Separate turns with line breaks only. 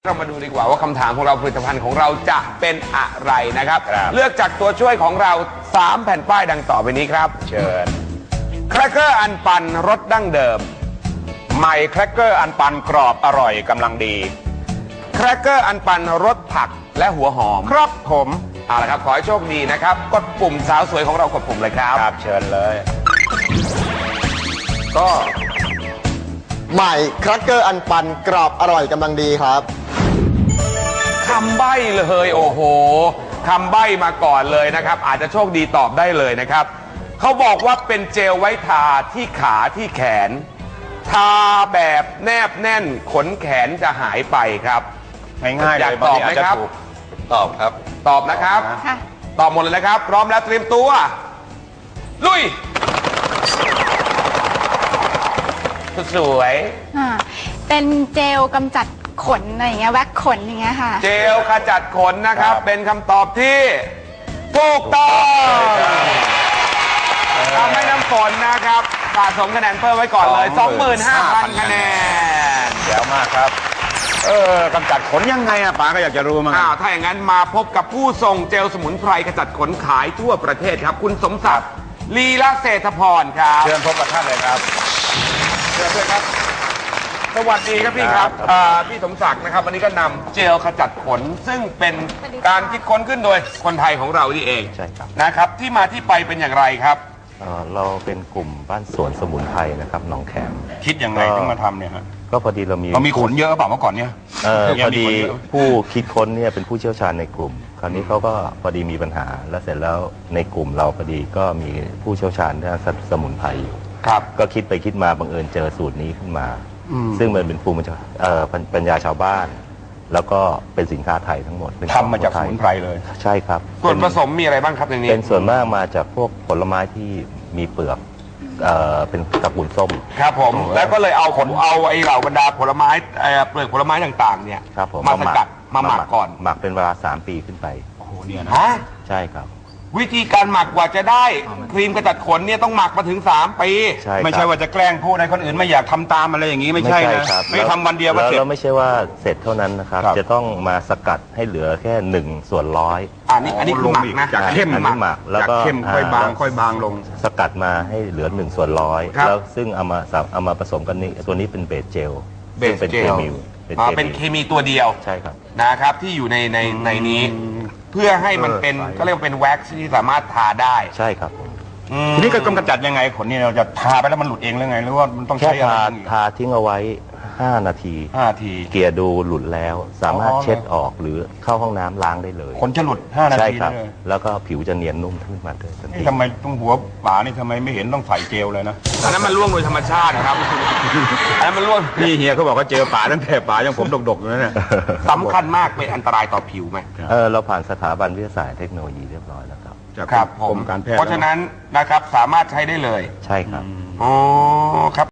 เรามาดูดีกว่าว่าคำถามของเราผลิตภัณฑ์ของเราจะเป็นอะไรนะครับเลือกจากตัวช่วยของเรา3แผ่นป้ายดังต่อไปนี้ครับ
เชิญ
แครกเกอร์อันปันรสดั้งเดิม
ใหม่แครกเกอร์อันปันกรอบอร่อยกำลังดี
แครกเกอร์อันปันรสผักและหัวหอม
ครับผม
เอาละครับขอให้โชคดีนะครับกดปุ่มสาวสวยของเรากดปุ่มเลยครับ
ครับเชิญเลย
ก็ใหม่แครกเกอร์อันปันกรอบอร่อยกำลังดีครับ
คำใบ้เลยโอ้โหคำใบ้มาก่อนเลยนะครับอาจจะโชคดีตอบได้เลยนะครับเขาบอกว่าเป็นเจลไว้ทาที่ขาที่แขนทาแบบแนบแน่นขนแขนจะหายไปครับ
ง่ายๆ
อยากตอบไหมครับ
ตอบครับ
ตอบนะครับตอบหมดเลยนะครับพร้อมแล้วเตรียมตัวลุยสวย
เป็นเจลกำจัดขนอะไรอย่างเงี้ยแว็กขนอย่างเงี้ยค่ะ
เจลขจัดขนนะครับเป็นคำตอบที่ถูกต้องทำให้น้ำฝนนะครับสะสมคะแนนเพิ่มไว้ก่อนเลย 25,000 คะแนน
เดี๋ยวมากครับกำจัดขนยังไงอะป๋าก็อยากจะรู้มั้ง
ถ้าอย่างนั้นมาพบกับผู้ส่งเจลสมุนไพรขจัดขนขายทั่วประเทศครับคุณสมศักดิ์ลีละเศรษฐพรครับ
เชิญพบกับท่านเลยครับ
เชิญด้วยครับสวัสดีครับพี่ครับพี่สมศักดิ์นะครับวันนี้ก็นำเจลขจัดขนซึ่งเป็นการคิดค้นขึ้นโดยคนไทยของเรานี่เอง
ใช่ครับ
นะครับที่มาที่ไปเป็นอย่างไรครับ
เราเป็นกลุ่มบ้านสวนสมุนไพรนะครับหนองแขม
คิดยังไงถึงมาทำเนี่ยฮะ
ก็พอดีเรามี
ขนเยอะเปล่าเมื่อก่อนเนี่ย
พอดีผู้คิดค้นเนี่ยเป็นผู้เชี่ยวชาญในกลุ่มคราวนี้เขาก็พอดีมีปัญหาแล้วเสร็จแล้วในกลุ่มเราพอดีก็มีผู้เชี่ยวชาญด้านสมุนไพรอยู่
ครับ
ก็คิดไปคิดมาบังเอิญเจอสูตรนี้ขึ้นมาซึ่งมันเป็นภูมิปัญญาชาวบ้านแล้วก็เป็นสินค้าไทยทั้งหมด
ทำมาจากสมุนไพรเลย
ใช่ครับ
ส่วนผสมมีอะไรบ้างครับในนี้
เป็นส่วนมากมาจากพวกผลไม้ที่มีเปลือกเป็นตระกูลส้ม
ครับผมแล้วก็เลยเอาไอ้เหล่าบรรดาผลไม้เปลือกผลไม้ต่างๆเนี่ยมาสกัดมาหมักก่อน
หมักเป็นเวลา3 ปีขึ้นไป
โอ้โหเนี่ยนะ
ใช่ครับ
วิธีการหมักกว่าจะได้ครีมกระจัดขนเนี่ยต้องหมักมาถึง3 ปี
ไม่ใช่ว่าจะแกล้งพูดให้คนอื่นไม่อยากทำตามอะไรอย่างนี้ไม่ใช่นะไม่ทำวันเดียว
เสร็จแล้วไม่ใช่ว่าเสร็จเท่านั้นนะครับจะต้องมาสกัดให้เหลือแค่1/100
อันนี้คือหมักนะ
จากเข้ม
หมักแล้วก็
เข้มค่อยบางลง
สกัดมาให้เหลือ1/100แล้วซึ่งเอามาผสมกันนี้ตัวนี้เป็นเบสเจล
เป็นเคมีเป็นเคมีตัวเดียว
ใช่ครับ
นะครับที่อยู่ในนี้เพื่อให้มันเป็นก็เรียกว่าเป็นแว็กซ์ที่สามารถทาได้
ใช่ครับ
ทีนี้ก็กำจัดยังไงขนนี่เราจะทาไปแล้วมันหลุดเองหรือไงหรือว่ามันต้องใช้อะไร
ทาทิ้งเอาไว้5 นาทีเกลี่ยดูหลุดแล้วสามารถเช็ดออกหรือเข้าห้องน้ำล้างได้เลย
ขนจะหลุด5 นาที
เลยแล้วก็ผิวจะเนียนนุ่มขึ้นมาด้วย
ทำไมตรงหัวป๋านี่ทำไมไม่เห็นต้องใส่เจลเลยนะ
อันนั้นมันร่วงโดยธรรมชาติครับอันนั้นมันร่วง
พี่เฮียเขาบอกว่าเจอป๋าตั้งแต่ป๋ายังผมดกๆอยู่นั่นแหละ
สำคัญมากเป็นอันตรายต่อผิวไหม
เราผ่านสถาบันวิทยาศาสตร์เทคโนโลยีเรียบร้อยแล้วครับ
ครับผมเพราะฉะนั้นนะครับสามารถใช้ได้เลย
ใช่ครับ
อ๋อครับ